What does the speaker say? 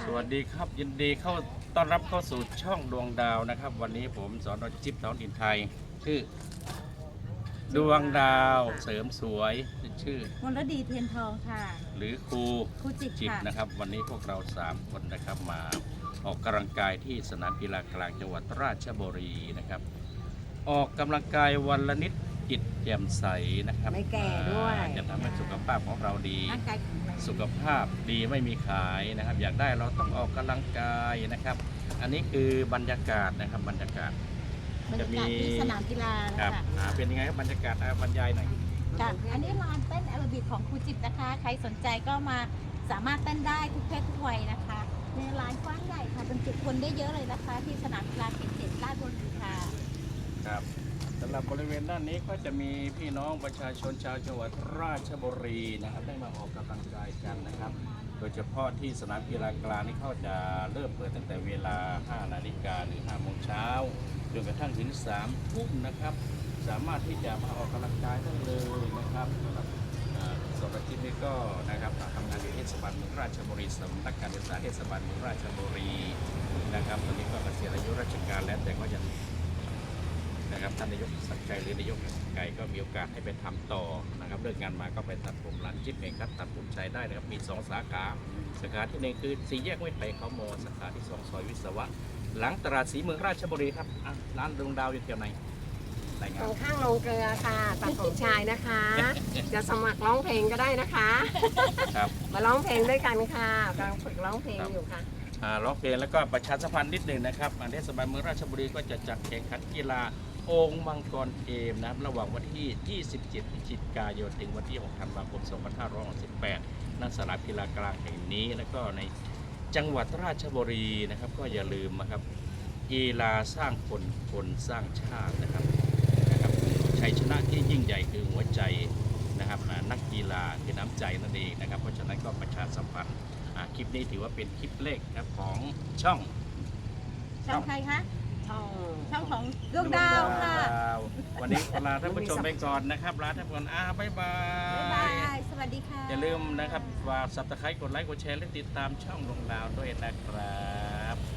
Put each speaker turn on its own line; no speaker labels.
สวัสดีครับยินดีต้อนรับเข้าสู่ช่องดวงดาวนะครับวันนี้ผมสอนจิ๊บท้องถิ่นไทยชื่อดวงดาวเสริมสวยชื่อ
มลดีเทียนทองค่ะ
หรือครู
จิบ
นะครับวันนี้พวกเรา3คนนะครับมาออกกำลังกายที่สนามกีฬากลางจังหวัดราชบุรีนะครับออกกำลังกายวันละนิดจิตแจ่มใสนะครับ
ไม่แก่ด้วย
จะทำให้สุขภาพของเราดี
ร่างกายแข็งแรง
สุขภาพดีไม่มีขายนะครับอยากได้เราต้องออกกำลังกายนะครับอันนี้คือบรรยากาศนะครับบรรยากาศ
จะมีที่สนามกีฬา
ครับเป็นยังไงครับบรรยากาศบรรยายหน่อย
ค่ะอันนี้ลานเต้นแอโรบิกของครูจิบนะคะใครสนใจก็มาสามารถเต้นได้ทุกเพศทุกวัยนะคะในลานกว้างใหญ่ค่ะบรรจุคนได้เยอะเลยนะคะที่สนามกีฬาเขต7ราชบุรีค่ะ
ครับสำหรับบริเวณด้านนี้ก็จะมีพี่น้องประชาชนชาวจังหวัดราชบุรีนะครับได้มาออกกำลังกายกันนะครับโดยเฉพาะที่สนามกีฬากลางนี่เขาจะเริ่มเปิดตั้งแต่เวลา 5 นาฬิกาหรือ 5 โมงเช้าจนกระทั่งถึง 3 ทุ่มนะครับสามารถที่จะมาออกกำลังกายได้เลยนะครับสำหรับที่นี่ก็นะครับทำงานอยู่เทศบาลเมืองราชบุรีสำนักการศึกษาเทศบาลเมืองราชบุรีนะครับตอนนี้ก็เกษียณอายุราชการแล้วแต่ก็ยังนะครับท่านนายกสักดิ์ชัยหรือนายกไก่ก็มีโอกาสให้ไปทำต่อนะครับเลิกงานมาก็ไปตัดผมร้านจิ๊บเองครับตัดผมชายได้นะครับมี2 สาขาสาขาที่1คือ4 แยกห้วยไผ่เขาโมสาขาที่2ซอยวิศวะหลังตลาดสีเมืองราชบุรีครับร้านดวงดาวอยู่แถวไหน
ตรงข้างโรงเกลือค่ะตัดผมชายนะคะ จะสมัครร้องเพลงก็ได้นะคะ
ครับ
มาร้องเพลงด้วยกันค่ะกำลังฝึกร้องเพลงอยู่ค่ะ
ร้องเพลงแล้วก็ประชาสัมพันธ์นิดหนึ่งนะครับเทศบาลเมืองราชบุรีก็จะจัดแข่งขันกีฬาโอ่งมังกรเกมนะครับระหว่างวันที่ 27 พฤศจิกายนถึงวันที่ 6 ธันวาคม 2568 ณ สนามกีฬากลางแห่งนี้แล้วก็ในจังหวัดราชบุรีนะครับก็อย่าลืมนะครับกีฬาสร้างคนสร้างชาตินะครับชัยชนะที่ยิ่งใหญ่คือหัวใจนะครับนักกีฬาคือน้ำใจนั่นเองนะครับเพราะฉะนั้นก็ประชาสัมพันธ์คลิปนี้ถือว่าเป็นคลิปแรกนะครับของช่อง
ใครคะช่องของดวงดาวค่ะ
วันนี้ขอลาท่านผู้ชมไปก่อนนะครับลาท่านผู้ชมบ๊ายบาย
สวัสดีค่ะ
อย่าลืมนะครับฝาก Subscribe กดไลค์กดแชร์และติดตามช่องดวงดาวด้วยนะครับ